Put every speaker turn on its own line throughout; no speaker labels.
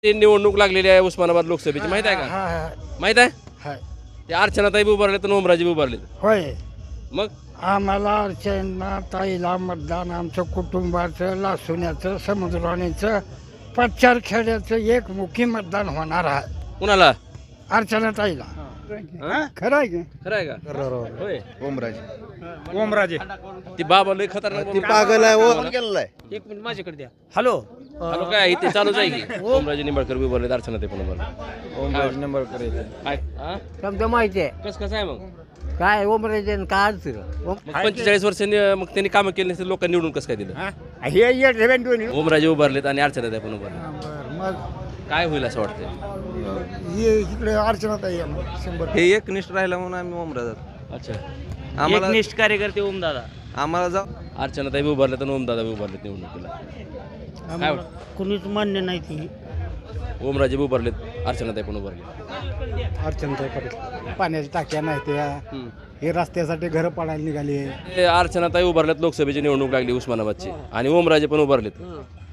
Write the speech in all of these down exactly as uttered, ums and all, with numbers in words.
ते निवडणूक लागलेली आहे उस्मानाबाद लोकसभेची माहित आहे का?
हा हा
माहित आहे
हाय
ते अर्चनाताई उभारले तर ओमराजे उभारले
होय.
मग
आम्हाला अर्चना ताईला मतदान आमचं कुटुंबाचं लासुण्याचं समुद्रवाणीचं पच्चार खेड्याचं एक मुखी मतदान होणार आहे
कुणाला
अर्चना ताईला.
हा?
खरं आहे की
खरं आहे का? होय
ओमराजे ओमराजे
ती बाबा लय खतरनाक
ती पागल आहे ओ गेलेला आहे.
एक मिनिट माझ्याकडे द्या. हॅलो
हॅलो काय इथे चालूच आहे की ओमराजे निंबाळकर उभारले अर्चनाताई पण उभारले
ओमराजे नंबर करायचं
काय हा?
समजा माहिती आहे
कस कसं आहे मग
काय ओमराजे काय अर्थ
मग पंचेचाळीस वर्षांनी मग त्यांनी कामं केली नसतील लोकांनी निवडून कसं काय दिलं
हे
ओमराजे उभारलेत आणि अर्चनाताई पण उभारले
मग
काय होईल असं वाटतंय
हे इकडे अर्चना ताई शंभर
हे एकनिष्ठ राहिला म्हणून आम्ही ओमराजात
अच्छा
आम्हाला
एकनिष्ठ कार्यकर्ते ओमदादा
आम्हाला जाऊ
अर्चनाताई उभारले तर ओमदादा उभारलेत निवडणुकीला काय वाटतं?
कुणीच मान्य नाही ती
ओमराजे उभारलेत अर्चनाताई पण उभारले
अर्चना ताई पाटील पाण्याच्या टाक्या नाही त्या
हम्म.
हे रस्त्यासाठी घरं पाडायला निघाली.
ते अर्चनाताई उभारलेत लोकसभेची निवडणूक लागली उस्मानाबादची आणि ओमराजे पण उभारलेत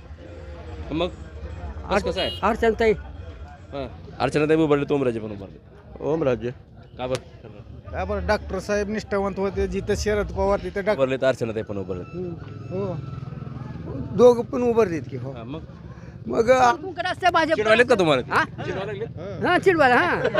मग कसं कसं आहे
अर्चनताई
हां अर्चनाताई उभारलेत ओमराजे पण उभारले
ओमराजे
का बरं
काय बरं डॉक्टर साहेब निष्ठावंत होते जिथं शरद पवार तिथे डॉक्टर
उभारलेत अर्चनाताई पण उभारलेत
हो दोघं पण उभारलेत की हो.
हां, मग
मग
चिडवालेत का तुम्हाला चिडवायला लागलेत?
हा चिडवायला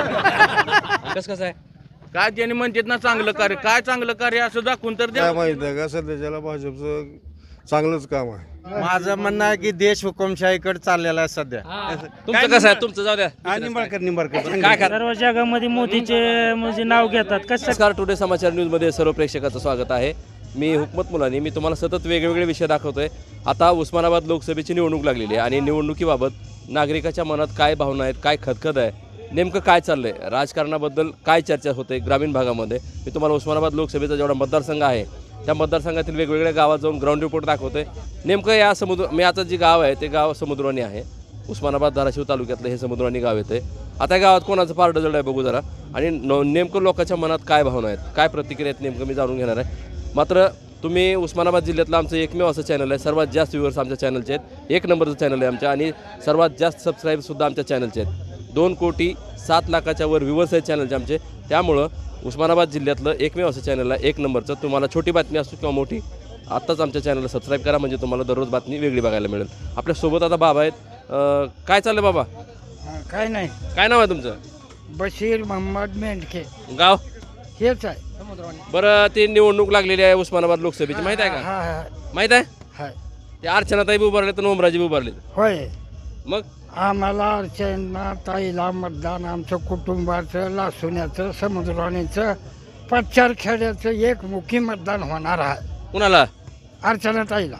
हा
कसं कसं आहे
काय त्यांनी म्हणतात ना चांगलं कार्य काय चांगलं कार्य असं दाखवून तर द्या.
काय माहित आहे का सध्याच्याला भाजपचं चांगलंच काम आहे.
माझं म्हणणं आहे की देश हुकुमशाहीकडे चाललेला आहे सध्या.
तुमचं कसं आहे तुमचं जाऊ द्या
निंबाळकर निंबाळकर
काय करा
सर्व जगामध्ये मोदीचे म्हणजे नाव घेतात कसं
नमस्कार टुडे समाचार न्यूजमध्ये सर्व प्रेक्षकाचं स्वागत आहे. मी हुकमत मुलानी मी तुम्हाला सतत वेगवेगळे विषय दाखवतोय. आता उस्मानाबाद लोकसभेची निवडणूक लागलेली आहे आणि निवडणुकीबाबत नागरिकाच्या मनात काय भावना आहेत काय खदखद आहे नेमकं काय चाललंय राजकारणाबद्दल काय चर्चा होते ग्रामीण भागामध्ये मी तुम्हाला उस्मानाबाद लोकसभेचा जेवढा मतदारसंघ आहे त्या मतदारसंघातील वेगवेगळ्या गावात जाऊन ग्राउंड रिपोर्ट दाखवतोय. नेमकं या समुद्र मी आता जे गाव आहे ते गाव समुद्रवाणी आहे उस्मानाबाद धाराशिव तालुक्यातलं हे समुद्रवाणी गाव येते. आता या गावात कोणाचं पारडं जड आहे बघू जरा आणि न नेमकं लोकांच्या मनात काय भावना आहेत काय प्रतिक्रिया आहेत नेमकं मी जाणून घेणार आहे. मात्र तुम्ही उस्मानाबाद जिल्ह्यातलं आमचं एकमेव असं चॅनल आहे सर्वात जास्त व्ह्यूअर्स आमच्या चॅनलचे आहेत एक नंबरचं चॅनल आहे आमच्या आणि सर्वात जास्त सबस्क्राईबसुद्धा आमच्या चॅनलचे आहेत. दोन कोटी सात लाखाच्या वर व्ह्यूअर्स आहेत चॅनलचे आमचे. त्यामुळं उस्मानाबाद जिल्ह्यातलं एकमेव असं चॅनल आहे एक नंबरचं. तुम्हाला छोटी बातमी असो किंवा मोठी आत्ताच आमच्या चॅनलला सबस्क्राईब करा म्हणजे तुम्हाला दररोज बातमी वेगळी बघायला मिळेल. आपल्यासोबत आता बाबा आहेत. अं, काय चाललं बाबा
हा, काय नाही
काय नाव आहे तुमचं
बशीर मोहम्मद मेंढके
गाव
हेच आहे.
बरं ते निवडणूक लागलेली आहे उस्मानाबाद लोकसभेची माहित आहे का
हा हा
माहित आहे
हाय
ते अर्चनाताई उभारले तर ओमराजे उभारले
होय.
मग
आम्हाला अर्चना ताईला मतदान आमचं कुटुंबाचं लासुण्याचं समुद्रवाणीचं पच्चार खेड्याचं एक मुखी मतदान होणार आहे
कुणाला
अर्चना ताईला.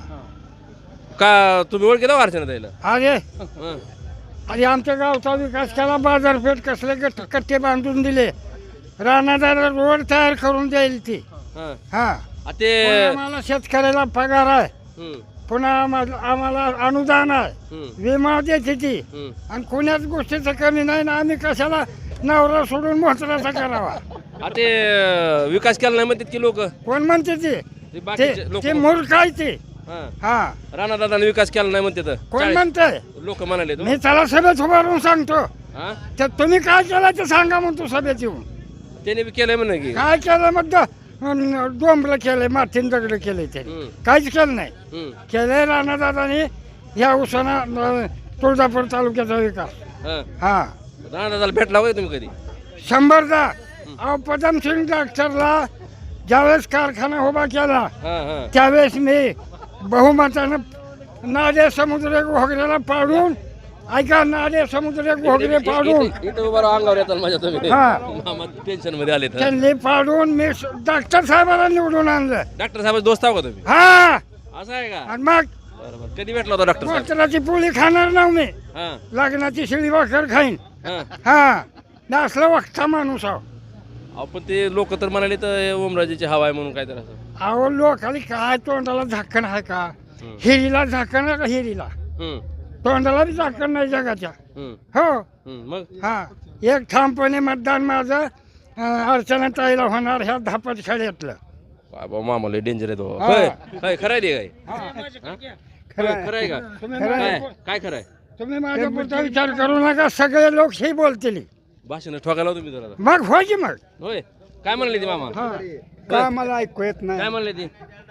का तुम्ही ओळखी दाव अर्चनाताईला
अरे
हं.
अरे आमच्या गावचा विकास केला बाजारपेठ कसले गट कट्टे बांधून दिले रानादार रोड तयार करून देईल ती.
हं.
हा
आ ते
आम्हाला शेतकऱ्याला पगार आहे
हं,
पुन्हा आम्हाला आम्हाला अनुदान आहे
हं,
विमा देते ती
हं.
आणि कोण्याच गोष्टीचं कमी नाही ना आम्ही कशाला नवरा सोडून मोहतराचा करावा.
आ ते विकास केला नाही म्हणतात की लोक
कोण म्हणते ते
ते बाकीचे
ते
लोक
ते मूर्ख आहे ते. हा
राणादादाने विकास केला नाही म्हणते
कोण म्हणते
लोक म्हणाले तो
मी त्याला सभेत उभारून सांगतो
हा
तर तुम्ही काय केलं ते सांगा म्हणतो सभेत येऊन.
त्याने बी केलंय म्हणे की
काय केलं मग डोंबलं केलंय मातीन दगड केलंय त्याने
हं,
काहीच केलं नाही.
हं,
केलंय राणादादाने ह्या उसाना अं, तुळजापूर तालुक्याचा विकास.
हं.
हा
राणादादाला भेटला होय तुम्ही कधी
शंभरदा अहो पदमसिंग डॉक्टरला ज्यावेळेस कारखाना उभा केला
हा हा
त्यावेळेस मी बहुमतानं नाडे समुद्र घोगऱ्याला पाडून ऐका नाडे समुद्र घोगरे पाडून
इथं उभा राहा, अंगावर येतात माझ्या तुम्ही
हा.
मामा टेन्शन मध्ये आले तर
त्यांनी पाडून मी डॉक्टर साहेबाला निवडून आणलं.
डॉक्टर साहेब दोस्त आहो का तुम्ही
हा
असं आहे का
आणि मग
बरोबर कधी भेटला होता डॉक्टर साहेब
मोटराची पोळी खाणार ना मी
हा
लग्नाची शिळी भाकर खाईन.
हा
हा नसलं वक्ता माणूस आहो.
अहो, पण ते लोक तर म्हणाले तर ओमराजेची हवा आहे म्हणून काय तर असं
अहो लोकाली काय तोंडाला झाकण आहे का
हं.
हिरीला झाकण आहे का हिरीला
हं,
तोंडाला बी झाकण नाही जगाच्या.
हं,
हो
हं. मग
हा एक ठामपणे मतदान माझं अं, अर्चना ताईला होणार ह्या धापट खेड्यातलं.
बाबा मामाला डेंजर आहे तो
हा.
होय काय खरं आहे ते काय
हा.
हा? खरं आहे का
खरं
काय
आहे.
काय खरं आहे
तुम्ही माझ्या पुढचा विचार करू नका, सगळे लोक हे बोलतील.
भाषण ठोकायला तुम्ही जरा
मग हो की मग.
होय काय म्हणले ती मामा
का मला ऐकू येत नाही.
काय म्हणले ती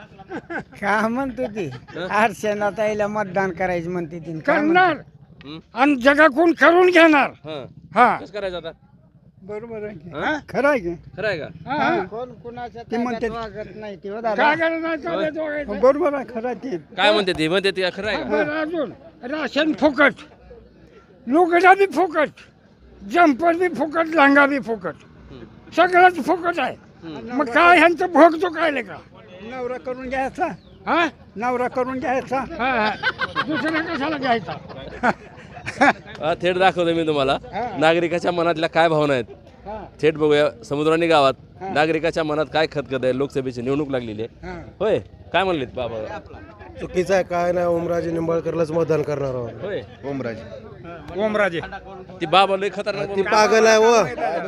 का म्हणतो ती
हं?
अर्चना ताईला मतदान करायचं म्हणते ती.
करणार.
करणार आणि जगाकडून करून घेणार.
हा
हा
कसं करायचं आता
बरोबर आहे की.
हं?
खरं आहे की.
खरं आहे का
कोण कुणाच्या ते म्हणते नाही ते बरोबर आहे. खरं आहे ते.
काय म्हणते ती म्हणते ती खरं आहे का
बरं, अजून राशन फुकट, लुगडा बी फुकट, जंपर बी फुकट, लांगा बी फुकट, सगळंच फुकट आहे. मग काय ह्यांचं भोगतो काय का. नवरा करून घ्यायचा. हा नवरा करून घ्यायचा. दुसरा कशाला घ्यायचा.
अ, थेट दाखवतो मी तुम्हाला नागरिकाच्या मनातल्या काय भावना आहेत. थेट बघूया समुद्रानी गावात नागरिकाच्या मनात काय खतखत आहे. लोकसभेची निवडणूक लागलेली आहे. होय काय म्हणलेत बाबा
चुकीचं आहे काय नाही. ओमराजे निंबाळकरलाच मतदान करणार आहोत.
होय
ओमराजे
ओमराजे
ती बाबा लय खतरनाक
ती पागल आहे व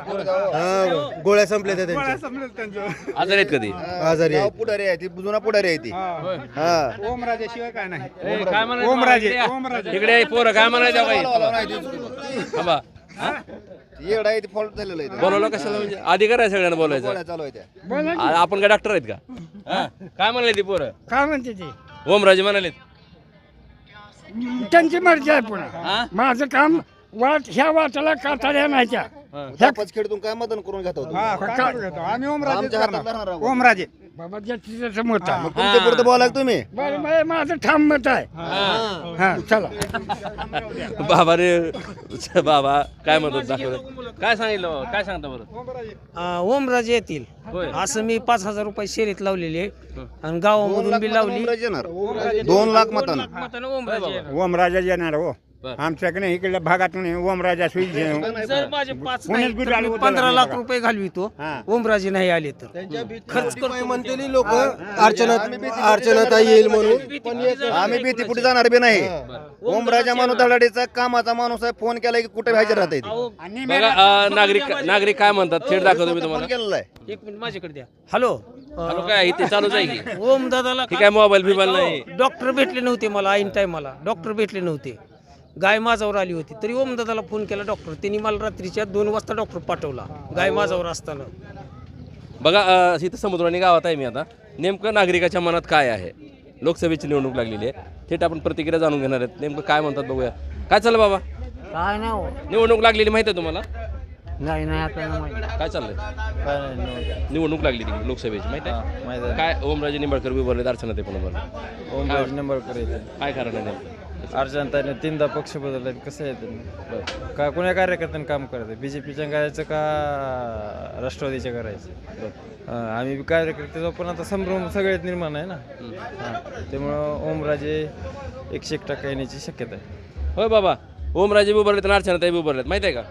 हा, गोळ्या संपल्या त्या त्यांच्या
आजार आहेत कधी
आजारी आहे.
पुढारी आहे ती जुना पुढारी आहे ती हा
ओमराजे शिवाय काय नाही.
काय म्हणायचं
ओमराजे,
इकडे या.
ओमराजे.
इकडे या, पोरं काय म्हणायचं बाई थांबा
येडा आहे ती फॉल्ट झालेलं आहे
बोलवलं कशाला म्हणजे अधिकार आहे सगळ्यांना बोलायचं
गोळ्या चालू आहे त्या
बोला की.
आ- आपण काय डॉक्टर आहेत का हा? काय म्हणाले ती पोरं
काय म्हणते ती.
ओमराजे म्हणाले
त्यांची मर्जी आहे पुन्हा.
हा
माझं काम वाट ह्या वाटाला काटाळ्या नाही त्या.
हा.
खेळतून काय मतदान करून घेतो
आम्ही
आमच्या हातात राहणार आहोत.
ओमराजे बाबा ज्याची त्याचं मत आहे.
तुमच्या पुरतं बोलाय तुम्ही
बरं, बरं, माझं ठाम मत आहे. हा चला.
बाबा रे बाबा काय म्हणतात दाखवलं काय सांगितलं बाबा? काय सांगता बरं
ओमराजे येतील
होय
असं मी पाच हजार रुपये शर्यत लावलेली आहे आणि गावामधून बी लावली.
ओमराजे येणार दोन लाख मतांना
मतानं ओमराजे येणार.
ओमराजा येणार हो.
बरं.
आमच्याकडे इकडल्या भागातून ओमराजा सुई
जर माझे पाच
पुण्यात
नाही
बी
तर
आले
मी
होते
पंधरा
ना
लाख
बघा.
रुपये घालवितो.
हा.
ओमराजे नाही आले तर खर्च करतो
म्हणते लोक अर्चना अर्चना येईल म्हणून
आम्ही भीती कुठे जाणार बी नाही ओमराजा माणूस धडाडीचा कामाचा माणूस आहे. फोन केला की कुठे व्हायचं राहते
आणि
बघा अ, नागरिक नागरिक काय म्हणतात थेट दाखवतो मी
फोन
तुम्हाला
केलेला आहे
एक मिनिट माझ्याकडे द्या. हॅलो
हॅलो काय इथे चालूच आहे की
ओम दादाला
ठीक आहे मोबाईल बिबाईल नाही
डॉक्टर भेटले नव्हते मला ऐन टायमाला डॉक्टर भेटले नव्हते. गाय माझ्यावर आली होती तरी ओम दादाला फोन केला डॉक्टर त्यांनी मला रात्रीच्या दोन वाजता डॉक्टर पाठवला गाय माझ्यावर असताना.
बघा अ, इथं समुद्रानी गावात आहे मी आता नेमकं नागरिकाच्या मनात काय आहे. लोकसभेची निवडणूक लागलेली आहे. थेट आपण प्रतिक्रिया जाणून घेणार आहेत. नेमकं काय म्हणतात बघूया. काय चाललं बाबा
काय नाही
निवडणूक लागलेली माहिती आहे तुम्हाला
नाही नाही आपल्याला माहिती.
काय चाललंय निवडणूक लागली तिकडे लोकसभेची माहिती आहे काय ओमराजे निंबाळकर उभारले अर्चना ते पण उभारले
ओमराजे निंबाळकर येते
काय कारण आहे नेमकं?
अर्जंताने तीनदा पक्ष बदलले कसं येते का कोण्या कार्यकर्त्याने काम करायचं बी जे पीच्या करायचं का राष्ट्रवादीच्या करायचं हां आम्ही बी कार्यकर्ते पण आता संभ्रम सगळ्यात निर्माण आहे ना हां त्यामुळं ओमराजे एकशे एक टक्का येण्याची शक्यता आहे.
होय बाबा ओमराजे बी उभारलेत आणि अर्चना ताई बी उभारलेत माहिती आहे का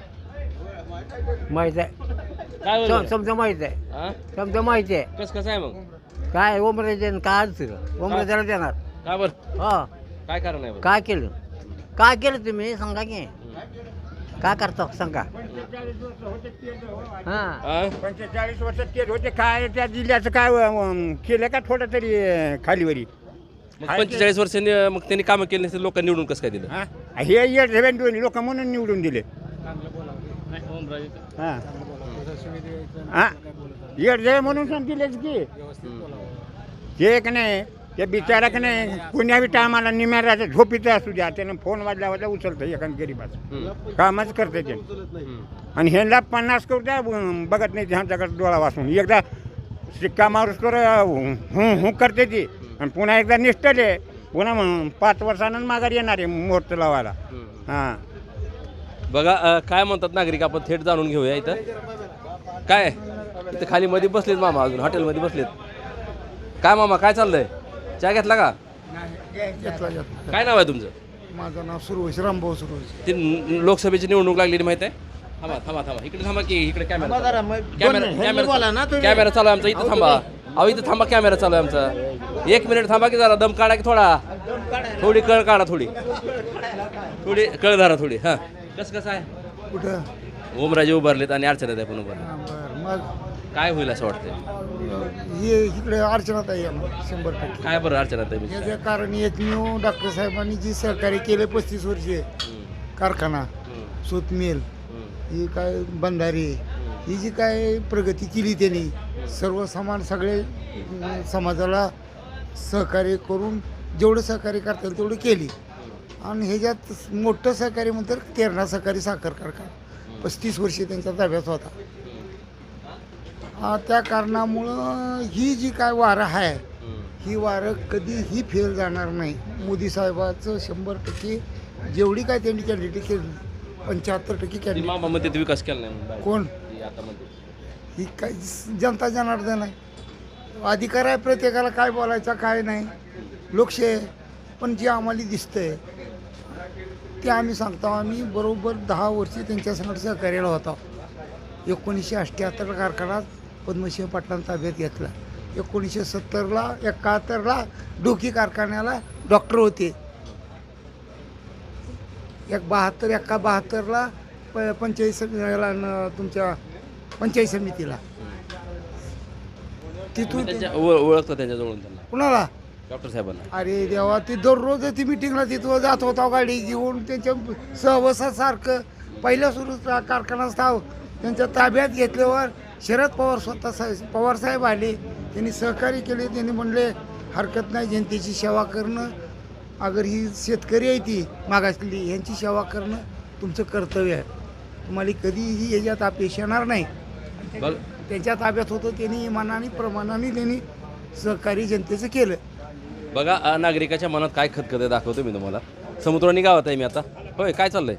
माहित आहे.
काय बोलले?
समजा माहित आहे.
हा?
समजा माहिती आहे.
कसं कसं आहे मग
काय ओमराजे काय अडचण ओमराजाला देणार.
का बरं
हा
काय कारण आहे बरं?
काय केलं काय केलं तुम्ही सांगा की काय करता सांगा. हा
हा?
पंचेचाळीस वर्षात केलं होते काय त्या जिल्ह्याचं काय अं, केलं का थोडं तरी अं, खालीवरी.
मग पंचेचाळीस वर्षांनी मग त्यांनी कामं केली नसतील लोकांनी निवडून कसं काय दिलं
हा? हे येड झेवेन दोन्ही लोक म्हणून निवडून दिले. हा हा येड झेवे म्हणून सांग दिलेच की ते का नाही ते बिचारा का नाही पुण्या बी टायमाला निम्याराच्या झोपीचं असू द्या त्यानं फोन वाजला वाजला उचलतं एखाद गरीबाचं कामच करते ते. आणि ह्यांना पन्नास करू द्या बघत नाही ह्यांच्याकडे डोळा वाचून एकदा शिक्का मारूस तर हू हू करते ती आणि पुन्हा एकदा निष्ठले पुन्हा मग पाच वर्षानं माघार येणार आहे मुहूर्त लावायला. हां
बघा अ, काय म्हणतात नागरिक आपण थेट जाणून घेऊया इथं काय इथं खाली मध्ये बसलेत मामा अजून हॉटेलमध्ये बसलेत. काय मामा काय चाललंय चहा घेतला का काय नाव आहे तुमचं?
माझं नाव सुरवश रामभाऊ सुरवश.
ती न- लोकसभेची निवडणूक लागलेली माहिती आहे. थांबा थांबा थांबा इकडे थांबा की इकडे कॅमेरा कॅमेरा कॅमेरा कॅमेरा चालू आहे आमचा इथं थांबा अहो इथं थांबा कॅमेरा चालू आहे आमचा एक मिनिट थांबा की जरा दम काढा की थोडा थोडी कळ काढा थोडी थोडी कळ धरा थोडी हां कसं कसं आहे
कुठं
ओमराजे उभारलेत आणि अर्चना ताई पण उभारले
बरं मग
काय होईल असं वाटतंय
हे इकडे अडचणात आहे शंभर टक्के.
काय बरं अर्चना ताई
याचं कारण एकमेव डॉक्टर साहेबांनी जी सहकार्य केले पस्तीस वर्षे
कारखाना सूत मिल ही काय बंधारी ही जी काय प्रगती केली त्यांनी सर्व समान सगळे अं, समाजाला सहकार्य करून जेवढं सहकार्य करता येईल तेवढं केली. आणि ह्याच्यात मोठं सहकार्य म्हणतात तेरणा सहकारी साखर कारखाना पस्तीस वर्षे त्यांच्या ताब्यात होता. आ, त्या कारणामुळं ही जी काय वारं आहे ही वारं कधीही फेल जाणार नाही. मोदी साहेबाचं शंभर टक्के जेवढी काय त्यांनी कॅन्डिडेट केली पंच्याहत्तर टक्के कॅन्डिडेट
मामा मध्ये विकास केला नाही
कोण
आता मध्ये
ही काय जनता जनार्दन आहे. अधिकार आहे प्रत्येकाला काय बोलायचा काय नाही लोकशाही आहे. पण जे आम्हाला दिसतंय ते आम्ही सांगतो. आम्ही बरोबर दहा वर्षे त्यांच्या संगत सहकार्याला होता. एकोणीसशे अठ्ठ्याहत्तर कारखाना पद्मसिंह पाटलांना ताब्यात घेतला. एकोणीसशे सत्तरला एकाहत्तरला डोकी कारखान्याला डॉक्टर होते. एक बहात्तर एका बहात्तरला प पंचायत समितीला न- तुमच्या पंचायत समितीला तिथून ते-
त्यांच्या ओळ- ओळखतं त्यांच्याजवळून त्यांना
कुणाला
डॉक्टर साहेबांना.
अरे देवा ती दररोज ती मिटिंगला तिथं जात होता गाडी घेऊन त्यांच्या सहवासासारखं पहिल्या सुरू कारखाना स्थाव त्यांच्या ताब्यात घेतल्यावर शरद पवार स्वतः साहेब पवार साहेब आले. त्यांनी सहकार्य केले. त्यांनी म्हणले हरकत नाही जनतेची सेवा करणं अगर ही शेतकरी आहे ती मागासलेली ह्यांची सेवा करणं तुमचं कर्तव्य आहे. तुम्हाला कधीही याच्यात अपेक्षा येणार नाही.
बघ
त्यांच्या ताब्यात होतं त्यांनी इमानाने प्रमाणाने त्यांनी सहकारी जनतेचं केलं.
बघा अ, नागरिकाच्या मनात काय खतखत आहे दाखवतो मी तुम्हाला. समुद्रानी गावात आहे मी आता. होय काय चाललंय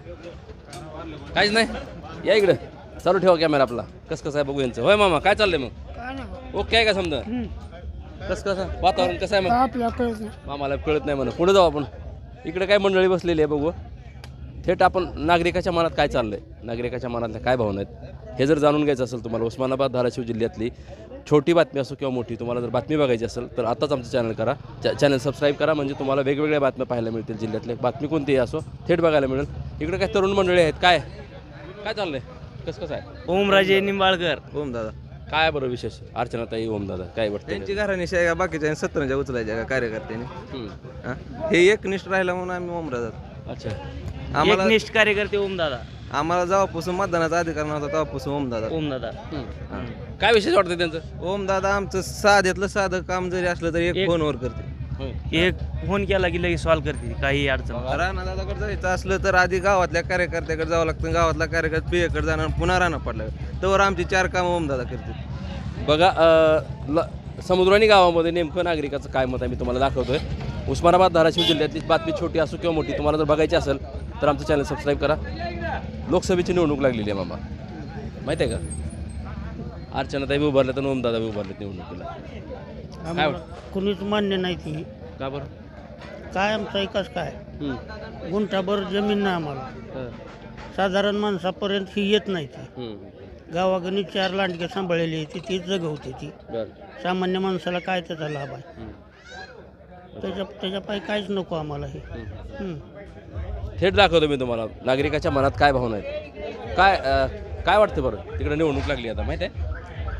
काहीच नाही. या इकडं चालू ठेवा कॅमेरा आपला. कसं कसं आहे बघू यांचं. होय मामा काय चाललंय मग ओके आहे का समजा कसं कसं वातावरण कसं आहे मग
आपल्याकडे
मामाला कळत नाही म्हणून पुढे जाऊ आपण. इकडे काय मंडळी बसलेली आहे बघू. थेट आपण नागरिकाच्या मनात काय चाललंय नागरिकाच्या मनातल्या काय भावना आहेत हे जर जाणून घ्यायचं असेल तुम्हाला उस्मानाबाद धाराशिव जिल्ह्यातली छोटी बातमी असो किंवा मोठी तुम्हाला जर बातमी बघायची असेल तर आताच आमचं चॅनल करा. चॅनल सबस्क्राईब करा म्हणजे तुम्हाला वेगवेगळ्या बातम्या पाहायला मिळतील. जिल्ह्यातल्या बातमी कोणतीही असो थेट बघायला मिळेल. इकडे काय तरुण मंडळी आहेत. काय काय चाललंय कसं कसं आहे.
ओमराजे निंबाळकर ओम दादा
काय बरं विशेष अर्चनाताई ओमदादा काय वाटतं
त्यांची घराणी शेगा बाकीच्या सत्तरच्या उचलायच्या का कार्यकर्त्यांनी
हम्म.
हा? हे एकनिष्ठ राहिला म्हणून आम्ही ओमराजा
अच्छा
आम्हाला
एकनिष्ठ कार्यकर्ते ओमदादा
आम्हाला जेव्हापासून मतदानाचा अधिकार नव्हता तेव्हापासून ओमदादा
ओमदादा
हम्म. काय विशेष वाटतं त्यांचं.
ओमदादा आमचं साध्यातलं साधं काम जरी असलं तरी एक
एक-
फोनवर करते.
एक फोन केला की लगेच सॉल्व करते काही अडचण.
राणा दादाकडे जायचं असलं तर आधी गावातल्या कार्यकर्त्याकडे जावं लागतं. गावातला कार्यकर्ता पियकडे जाणार पुन्हा राणा पडला तर आमची चार कामं ओमदादा करते.
बघा अ, ल समुद्राणी गावामध्ये नेमकं नागरिकाचं काय मत आहे मी तुम्हाला दाखवतोय. उस्मानाबाद धाराशिव जिल्ह्यातली बातमी छोटी असो किंवा मोठी तुम्हाला जर बघायची असेल तर आमचं चॅनल सबस्क्राईब करा. लोकसभेची निवडणूक लागलेली आहे मामा माहिती आहे का. अर्चनाताई बी उभारल्यात आणि ओमदादा बी उभारलेत निवडणुकीला. काय वाटतं?
कुणीच मान्य नाही ती
का बरं.
काय आमचा विकास काय
हम्म.
गुंठाभर जमीन नाही आम्हाला.
हं.
साधारण माणसापर्यंत ही येत नाही ती.
हम्म.
गावागणी चार लांडगे सांभाळलेली आहे ती तीच जगवते ती.
बरं.
सामान्य माणसाला काय त्याचा लाभ आहे.
हम्म.
त्याच्या त्याच्या पायी काहीच नको आम्हाला हे. हम्म.
थेट दाखवतो मी तुम्हाला नागरिकाच्या मनात काय भावना आहेत. काय अ, काय वाटतं बरं तिकडे निवडणूक लागली आता माहिती आहे.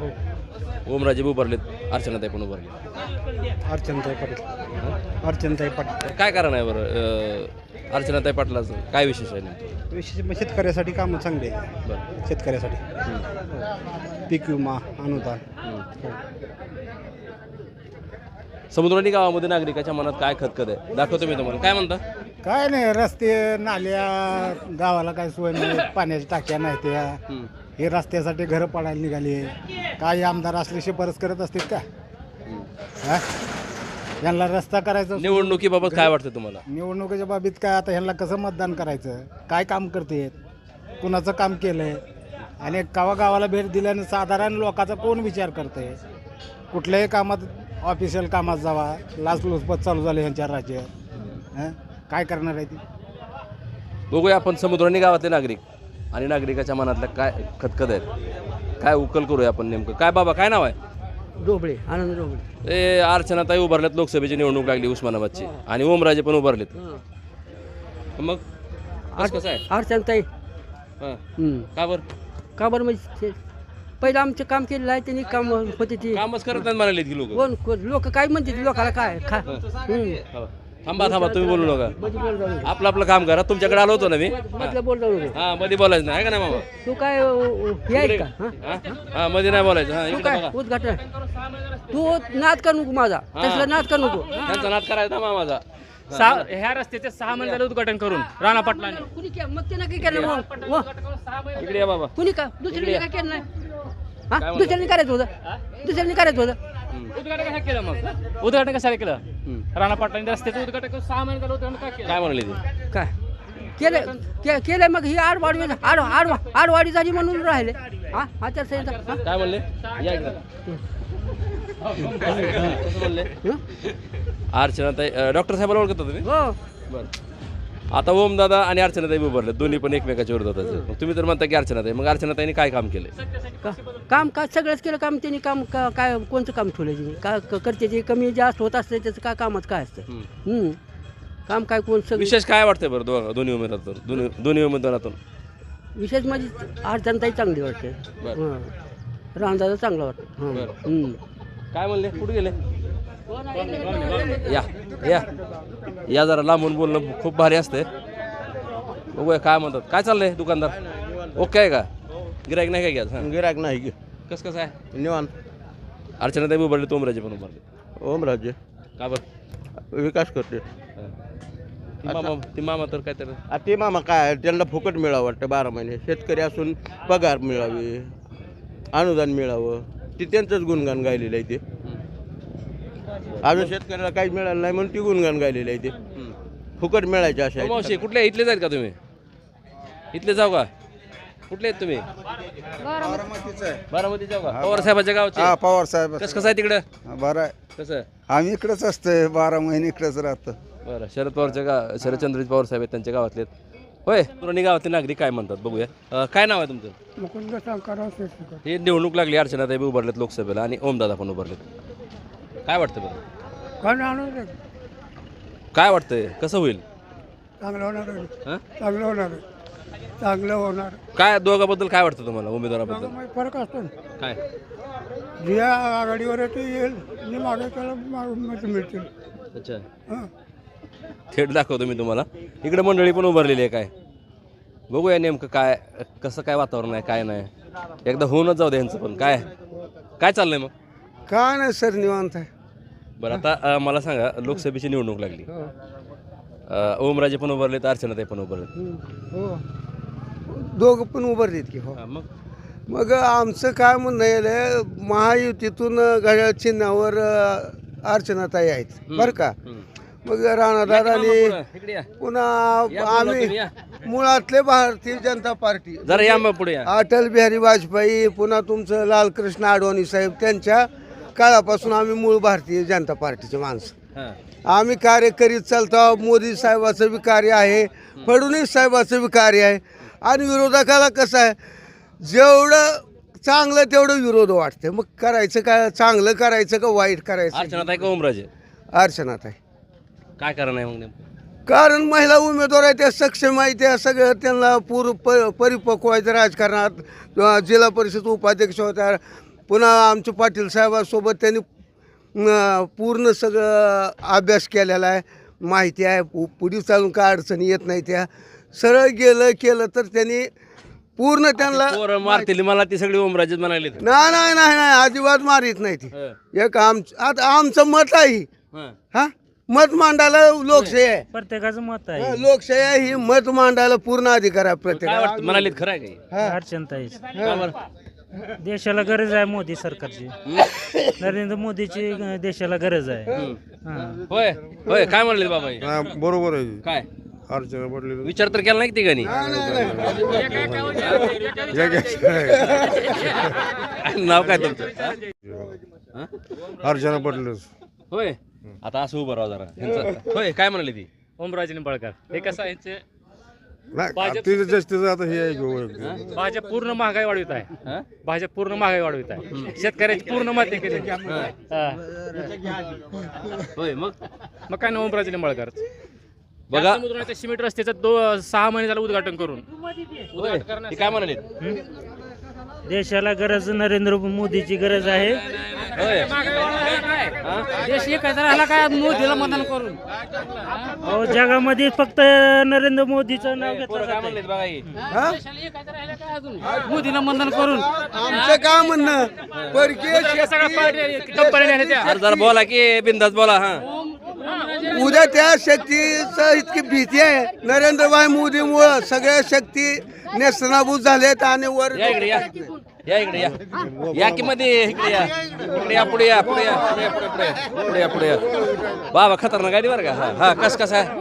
ओमराजे बी उभारलेत अर्चनाताई पण उभारले.
अर्चनताई पाटील अर्चनताई पाटील
तर काय कारण आहे बरं अ, अर्चनाताई पाटलाचं काय विशेष आहे नेमकं.
विशेष म्हणजे शेतकऱ्यासाठी कामं चांगली आहे.
बरं.
शेतकऱ्यासाठी
हम्म.
पीक विमा अनुदान
हम्म. समुद्राणी गावामध्ये नागरिकाच्या मनात काय खतखत आहे दाखवतो मी तुम्हाला. काय म्हणता.
काय नाही रस्ते नाल्या गावाला काय सोय नाही. पाण्याच्या टाक्या नाही त्या
हम्म.
हे रस्त्यासाठी घरं पाडायला निघाली. काही आमदार असले शिफारस करत असतील का
हम्म.
हा? यांना रस्ता करायचा
निवडणुकीबाबत काय वाटतं तुम्हाला.
निवडणुकीच्या बाबतीत काय आता ह्यांना कसं मतदान करायचं काय काम करते कुणाचं काम केलंय आणि गावा गावाला भेट दिल्याने साधारण लोकांचा कोण विचार करते. कुठल्याही कामात ऑफिशियल कामात जावा लाचलुचपत चालू झाले ह्यांच्या राज्यात. हं? काय करणार आहे ती.
बघूया आपण समुद्राणी गावातले नागरिक आणि नागरिकाच्या मनातल्या काय खतखत आहेत काय उकल करूया आपण नेमकं. काय बाबा काय नाव आहे.
डोबळे आनंद डोबळे.
ए अर्चनाताई उभारल्यात लोकसभेची निवडणूक लागली उस्मानाबादची आणि ओमराजे पण उभारलेत. मग कसं कसं आहे.
अर्चनताई
हां का बरं.
का बरं म्हणजे पहिलं आमचं काम केलेलं आहे त्यांनी काम होते ती
कामच करत नाहीत म्हणाले की लोक.
कोण कोण लोक काय म्हणते लोकाला काय खा
थांबा थांबा तुम्ही बोलू नका आपलं आपलं काम करा तुमच्याकडे आलो होतो ना मी हा मध्ये बोलायचं नाही का नाही मामा
तू काय याय का
हा? हा मध्ये नाही बोलायचं हा इकडे बघा
उद्घाटन तू नाद कर नको माझा तसला नाद कर नको
त्यांचा नाद करायचा ना मामाचा
सहा ह्या रस्त्याचे सहा महिने झाले उद्घाटन करून राणा पाटलांनी
कुणी के- मग त्यानं काय केलं मग मग
इकडे या बाबा
कुणी का दुसऱ्याने काय केलं नाही हा दुसऱ्याने करायचं होतं दुसऱ्याने करायचं होतं
उद्घाटन कसं केलं मग उद्घाटन कशाला केलं राणा पाटलांनी रस्त्याचं उद्घाटन करून सहा महिने झालं उद्घाटन काय केलं
काय म्हणले ते
काय केलं के- केलंय मग ही आडवाडी आड आड आडवाडी झाली म्हणून राहिले हा आचारसंहिता हा?
काय म्हणले या इकडे कसं म्हणले अर्चनाताई डॉक्टर साहेबांना ओळखता तुम्ही
हो
बरं आता ओम दादा आणि अर्चनाताई उभारले दोन्ही पण एकमेकाच्या विरोधात आहेत. मग तुम्ही तर म्हणता की अर्चनाताई मग अर्चनाताईने काय काम केले
का काम का सगळंच केलं काम त्यांनी काम का- काय कोणतं काम ठेवलं त्यांनी का क- करते जे कमी जास्त होत असतं त्याचं काय कामात काय असतं हम्म. काम काय कोण सगळं
विशेष काय वाटतंय बरं दोघा दोन्ही उमेदवारातून दोन्ही दोन्ही उमेदवारातून
विशेष म्हणजे अडचणताही चांगली वाटते
बरं.
रामदादा चांगला वाटतं हं.
बरं.
हम्म.
काय म्हणले कुठे गेले या या या जरा लांबून बोलणं खूप भारी असते बघूया काय म्हणतात काय चाललंय दुकानदार ओके आहे का गिरायक नाही काय घ्या हां
गिराक नाही
कसं कसं आहे
निवांत
अर्चनाताई उभारले तोमराजे पण उभारले
ओमराजे
का बरं
विकास करते
ती मामा ती मामा तर काय तर
आ ते मामा काय त्यांना फुकट मिळावं वाटतं बारा महिने शेतकरी असून पगार मिळावे अनुदान मिळावं ते त्यांचंच गुणगान गायलेलं आहे ते अजून शेतकऱ्याला काही मिळालं नाही म्हणून ती गुणगान गायलेलं आहे ते फुकट मिळायचे अशा आहेत.
मावशी कुठले इथले जाईल का तुम्ही इथले जाऊ का कुठले आहेत तुम्ही बारामती जाऊ का पवार साहेबाच्या गावचे
हा पवार साहेब
कसं कसं आहे तिकडं
बरं आहे
कसं
आम्ही इकडेच असतोय बारा महिने इकडेच राहतो
बरं शरद पवारच्या गाव शरदचंद्रजी पवार साहेब आहेत त्यांच्या गावातले आहेत. होय पुरणी गावातले नागरिक काय म्हणतात बघूया अं, काय नाव आहे तुमचं
मुकुंद शंकर
हे निवडणूक लागली अर्चनाताई बी उभारलेत लोकसभेला आणि ओमदादा पण उभारलेत काय वाटतं बरं
काय आणून
काय वाटतंय कसं होईल
चांगलं होणार
हं?
चांगलं होणार चांगलं होणार
काय दोघाबद्दल काय वाटतं तुम्हाला उमेदवाराबद्दल
फरक असतो
काय
जे आघाडीवर येते येईल जे मागे त्याला मत मिळतील
अच्छा
हां
थेट दाखवतो मी तुम्हाला इकडे मंडळी पण उभारलेली आहे काय बघूया नेमकं काय कसं काय वातावरण आहे काय नाही एकदा होऊनच जाऊ दे यांचं पण काय काय चाललंय मग
काय नाही सर निवांत आहे
बरं आता अं, मला सांगा लोकसभेची निवडणूक लागली अं, ओमराजे पण उभारले तर अर्चनाताई पण उभारले
हो दोघं पण उभारलेत की हो
मग
मग आमचं काय म्हणणं आहे महायुतीतून घड्याळ चिन्हावर अ, अर्चनाताई आहेत बरं का मग राणादादांनी
इकडे या.
पुन्हा
या बोला
आम्ही
तुम्ही, या.
मुळातले भारतीय जनता पार्टी
जरा या मग पुढे या
अटल बिहारी वाजपेयी पुन्हा तुमचं लालकृष्ण अडवाणी साहेब त्यांच्या काळापासून आम्ही मूळ भारतीय जनता पार्टीचे माणसं
हां
आम्ही कार्य करीत चालतो मोदी साहेबाचं बी कार्य आहे फडणवीस साहेबाचं बी कार्य आहे आणि विरोधकाला कसं आहे जेवढं चांगलं तेवढं विरोध वाटतं मग करायचं काय चांगलं करायचं का वाईट करायचं
अर्चनाताई का ओमराजे
अर्चनाताई
काय कारण आहे मग नेमकं
कारण महिला उमेदवार आहे त्या सक्षम आहे त्या सगळं त्यांना पूर प परिपक्व व्हायचं राजकारणात किंवा जिल्हा परिषद उपाध्यक्ष होत्या पुन्हा आमच्या पाटील साहेबांसोबत त्यांनी अं, पूर्ण सगळं अभ्यास केलेला आहे माहिती आहे पु पुढे चालून काय अडचणी येत नाही त्या सरळ गेलं केलं तर त्यांनी पूर्ण त्यांना
पोरं मारतील मला ती सगळी ओमराजेच म्हणाले
नाही नाही नाही नाही अजिबात मारित नाही ती एक आम आता आमचं मत आहे हा मत मांडायला लोकशाही आहे
प्रत्येकाचं मत
हा, लोकशाही आहे ही मत मांडायला पूर्ण अधिकार आहे
काय
प्रत्येक
वाटतं म्हणाले खरं आहे काही
अर्चनताईच
का बरं?
देशाला गरज आहे मोदी सरकारची नरेंद्र मोदीची अं, देशाला गरज आहे हां.
होय होय काय म्हणले बाबा हे?
बरोबर आहे
काय
अर्चना पडली
विचार तर केला नाही तिघांनी नाव काय तुमचं हा?
अर्चना पडलीच
होय आता असं उभं राहा जरा ह्यांचं- होय काय म्हणाले ती
ओमराजे निंबाळकर हे कसं आहे यांचे
नाही तिचं जास्तीचं आता हे आहे की
भाजप पूर्ण महागाई वाढवित आहे
हा?
भाजप पूर्ण महागाई वाढवित आहे शेतकऱ्याची पूर्ण मत केली
होय मग
मग काय ना ओमराजे निंबाळकर
बघा
समुद्राच्या सिमेंट रस्त्याचं दो सहा महिने झालं उद्घाटन करून
होय, ते काय म्हणाले
देशाला गरज नरेंद्र मोदीची गरज आहे.
होय.
देश एकाचा राहिला काय मोदीला मतदान करून
अहो जगामध्ये फक्त नरेंद्र मोदीचं नाव घेतलं
पोरं काय
जातंय.
म्हणलेत बघा की.
देशाला एकाचा राहिला काय अजून मोदीला मतदान करून
आमचं काय म्हणणं परकीय शेती
अरे जरा बोला की बिंदास बोला. हा
उद्या त्या शक्तीचं इतकी भीती आहे नरेंद्रभाई मोदीमुळं सगळ्या शक्ती नेस्तनाभूत झालेत आणि वर
या इकडे या या इकडे या या की मध्ये इकडे या इकडे या पुढे या पुढे या पुढे या, पुढे पुढे या, पुढे या पुढे या बाबा खतरनाक आहे बरं का. हा हा कस कसं आहे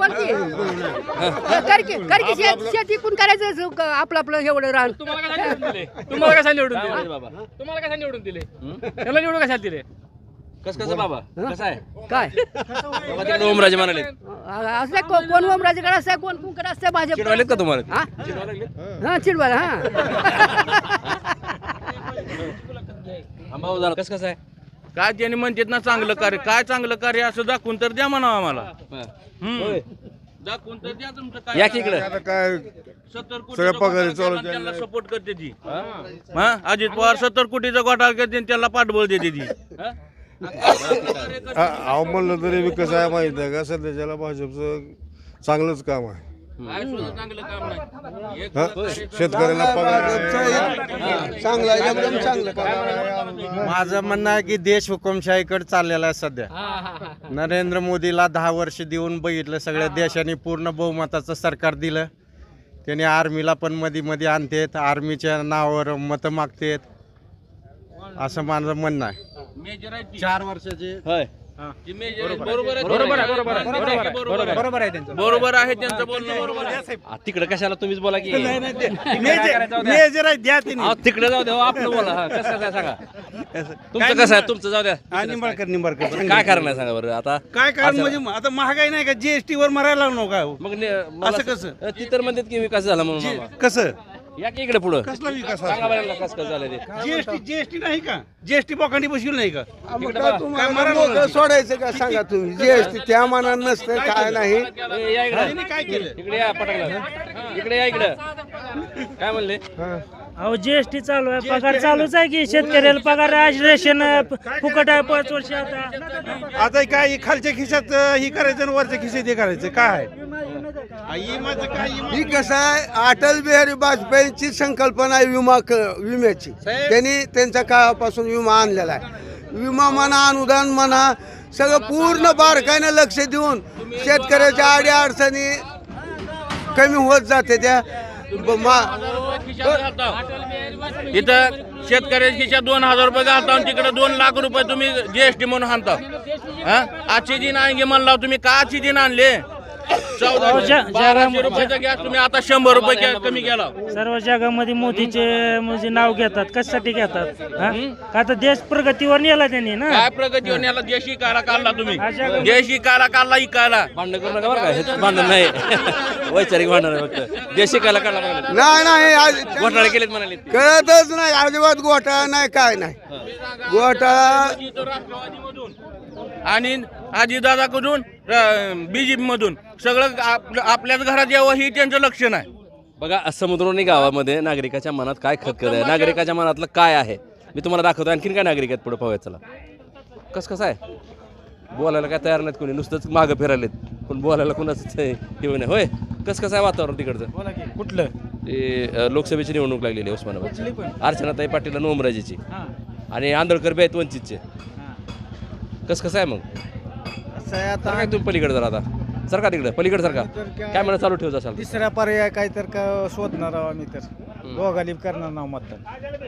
शेती कोण करायचं क- आपलं आपलं एवढं रान.
तुम्हाला काय निवडून दिले तुम्हाला कशा निवडून दिले
बाबा
तुम्हाला कशा निवडून दिले त्याला निवडून कशाला दिले
कस कसं बाबा कसं आहे
काय
बाबा तिकडे ओमराजे म्हणाले
असं आहे, को- कोण ओमराजेकडे असतं कोण कोणकडे असतं भाजप.
चिडवालेत का तुम्हाला
हा
चिडवा लागले
हा चिडवायला हा
भाऊ जरा कसं कसं आहे
काय त्यांनी म्हणतात ना चांगलं कार्य काय चांगलं कार्य असं दाखवून तर द्या म्हणावं आम्हाला.
होय.
दाखवून तर द्या तुमचं काय
या की इकडे
काय
सत्तर कोटी त्याला सपोर्ट करते ती हा अजित पवार सत्तर कोटीचा घोटाळा करते आणि त्याला पाठबळ देते ती.
अहो म्हणलं तरी बी कसं आहे माहिती आहे का सध्याच्याला भाजपचं चांगलंच काम आहे.
काय सुद्धा चांगलं काम नाही. एक
हा? शेतकऱ्याला पगार
चांगलं आहे, एकदम चांगलं काम.
माझं म्हणणं आहे की देश हुकुमशाहीकडे चाललेला आहे सध्या. नरेंद्र मोदीला दहा वर्ष देऊन बघितलं सगळ्या देशाने पूर्ण बहुमताचं सरकार दिलं. त्याने आर्मीला पण मध्ये मध्ये आणतेत आर्मीच्या नावावर मतं मागतेत असं माझं म्हणणं आहे. चार वर्षाचे
होय
बरोबर आहे बरोबर आहे बरोबर आहे त्यांचं बरोबर आहे त्यांचं बोलणं बरोबर आहे.
आ, तिकडे कशाला तुम्हीच बोला की
मेजर द्या
आ, तिकडे जाऊ द्या हो, आपलं बोला. हा कसं कसं आहे सांगा तुमचं कसं आहे तुमचं जाऊ द्या
निंबाळकर निंबाळकर
काय कारण आहे सांगा बरं आता
काय कारण
असं-
म्हणजे आता महागाई नाही का जीएसटी वर मरायला लागलो का
मग ने- मला
असं कसं?
अ, ती तर म्हणतात की विकास झाला म्हणून मामा.
कसं
या की इकडे पुढं
कसला विकास
सांगा बरं यांना कसं कसं झालं ते
जीएसटी जीएसटी नाही का जीएसटी बोकांडी बसविल नाही का
मग काय तुम्हाला मोकळं सोडायचं का सांगा तुम्ही जीएसटी त्या मानानं नसतं काय नाही.
ए, या इकडे
काय केलं
इकडे या पटकला इकडे या इकडे काय म्हणले
अहो जीएसटी चालू आहे पगार चालूच आहे की शेतकऱ्याला पगार आहे रेशन फुकट आहे पाच वर्ष आता.
आता काय खालच्या खिशात अं, ही करायचं आणि वरच्या खिशात हे करायचं काय आहे आई माझं काय इमा-
ही कसं आहे अटल बिहारी वाजपेयींची संकल्पना आहे विमा क- विम्याची. त्यांनी त्यांच्या काळापासून विमा आणलेला आहे. विमा म्हणा अनुदान म्हणा सगळं पूर्ण बारकाईनं लक्ष देऊन शेतकऱ्याच्या अडी अडचणी कमी होत जाते त्या ब- मा-
इथं शेतकऱ्याच्या खिशात दोन हजार रुपये घालता आणि तिकडे दोन लाख रुपये तुम्ही जीएसटी म्हणून आणता. हा आजची दिन आणगे म्हणला तुम्ही का आजची दिन आणले
अहो, ज-
बाराशे रुपयाचा गॅस तुम्ही आता शंभर रुपये के- कमी केला.
सर्व जगामध्ये मोदीचे म्हणजे नाव घेतात कशासाठी घेतात हा? का तर देश प्रगतीवर नेला त्यांनी ना.
काय प्रगती होऊन याला देशी काळा काढला तुम्ही
हा, जगामध्ये-
देशी काळा काढला इकायला.
भांडण करू नका बरं का हे भांडण नाही वैचारिक भांडण आहे फक्त देशी काला काढला म्हणाले
नाही नाही आज-
घोटाळे केलेत म्हणाले
कळतच नाही अजिबात घोटाळा नाही काय नाही घोटाळा
राष्ट्रवादीमधून आणि अजितदादाकडून बीजेपी मधून सगळं आपलं- आपल्याच घरात यावं ही त्यांचं लक्षण आहे.
बघा समुद्रोनी गावामध्ये नागरिकाच्या मनात काय खतखत आहे नागरिकाच्या मनातलं काय आहे मी तुम्हाला दाखवतो. आणखीन काय नागरिक आहेत पुढे पाहूया चला कसं कसं आहे बोलायला काय तयार नाहीत कोणी नुसतंच मागं फिरायलेत पण बोलायला कोणाच हे नाही होय कसं कसं आहे वातावरण तिकडचं
कुठलं
ते अ, लोकसभेची निवडणूक लागलेली आहे उस्मानाबादची अर्चनाताई पाटील आणि ओमराजेची आणि आंधळकर बी आहेत वंचितचे कसं कसं आहे मग
असं आहे
तर
आता
काय तुम्ही पलीकडे जरा आता सरका तिकडे पलीकडे सरका कॅमेरा चालू ठेवत असाल
तिसरा पर्याय काय तर का शोधणार आहोत आम्ही तर दोघाली करणार नाव मतदान.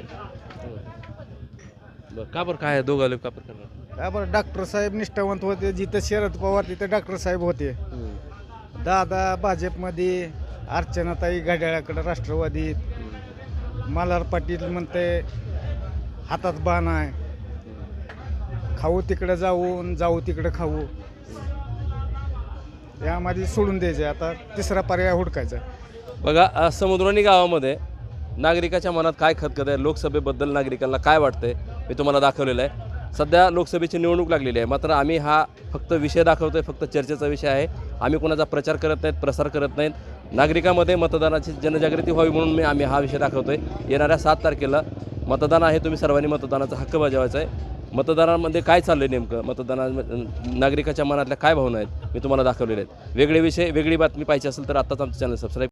बरं का बरं काय दोघं लोक का बरं करणार
काय बरं डॉक्टर साहेब निष्ठावंत होते जिथं शरद पवार तिथं डॉक्टर साहेब होते. दादा भाजपमध्ये अर्चनाताई घड्याळाकडे राष्ट्रवादी मल्हार पाटील म्हणते हातात बाण आहे खाऊ तिकडे जाऊन जाऊ तिकडे खाऊ यामध्ये सोडून द्यायचे आता तिसरा पर्याय हुडकायचा.
बघा अ, समुद्रोनी गावामध्ये नागरिकाच्या मनात काय खतखत आहे लोकसभेबद्दल नागरिकांना काय वाटतंय मी तुम्हाला दाखवलेलं आहे. सध्या लोकसभेची निवडणूक लागलेली आहे मात्र आम्ही हा फक्त विषय दाखवतोय फक्त चर्चेचा विषय आहे. आम्ही कोणाचा प्रचार करत नाहीत प्रसार करत नाहीत नागरिकामध्ये मतदानाची जनजागृती व्हावी म्हणून मी आम्ही हा विषय दाखवतोय. येणाऱ्या सात तारखेला मतदान आहे, तुम्ही सर्वांनी मतदानाचा हक्क बजावायचा आहे. मतदानामध्ये काय चाललं आहे नेमकं, मतदाना नागरिकाच्या मनातल्या काय भावना आहेत मी तुम्हाला दाखवलेल्या आहेत. वेगळे विषय वेगळी बातमी पाहिजे असेल तर आत्ताच आमचं चॅनल सबस्क्राईब